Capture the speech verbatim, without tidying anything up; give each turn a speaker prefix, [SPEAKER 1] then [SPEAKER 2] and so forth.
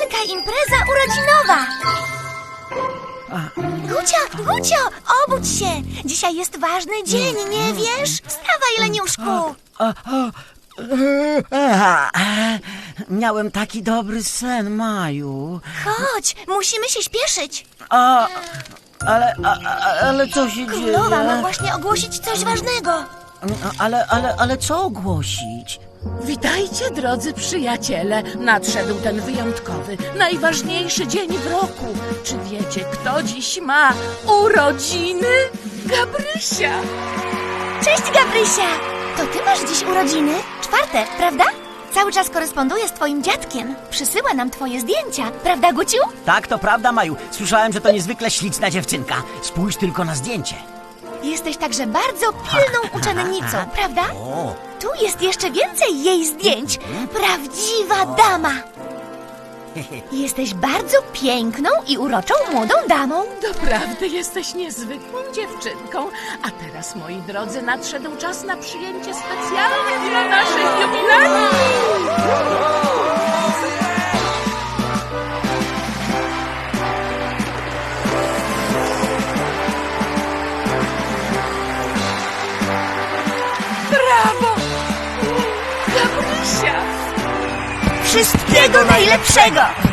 [SPEAKER 1] wielka impreza urodzinowa. Gucio, Gucio, obudź się. Dzisiaj jest ważny dzień, nie wiesz? Wstawaj, leniuszku.
[SPEAKER 2] Miałem taki dobry sen, Maju.
[SPEAKER 1] Chodź, musimy się śpieszyć.
[SPEAKER 2] A, ale, a, ale co się
[SPEAKER 1] Królowa
[SPEAKER 2] dzieje?
[SPEAKER 1] ma właśnie ogłosić coś ważnego.
[SPEAKER 2] Ale, ale, ale co ogłosić?
[SPEAKER 3] Witajcie, drodzy przyjaciele. Nadszedł ten wyjątkowy, najważniejszy dzień w roku. Czy wiecie, kto dziś ma urodziny? Gabrysia!
[SPEAKER 1] Cześć, Gabrysia. To ty masz dziś urodziny? Czwarte, prawda? Cały czas koresponduje z twoim dziadkiem. Przysyła nam twoje zdjęcia. Prawda, Guciu?
[SPEAKER 2] Tak, to prawda, Maju. Słyszałem, że to niezwykle śliczna dziewczynka. Spójrz tylko na zdjęcie.
[SPEAKER 1] Jesteś także bardzo pilną uczennicą, prawda?
[SPEAKER 2] O,
[SPEAKER 1] Tu jest jeszcze więcej jej zdjęć. Prawdziwa dama. Jesteś bardzo piękną i uroczą młodą damą.
[SPEAKER 3] Doprawdy jesteś niezwykłą dziewczynką. A teraz, moi drodzy, nadszedł czas na przyjęcie specjalne dla naszych jubilatów. Brawo! Gabrysia!
[SPEAKER 1] Wszystkiego najlepszego!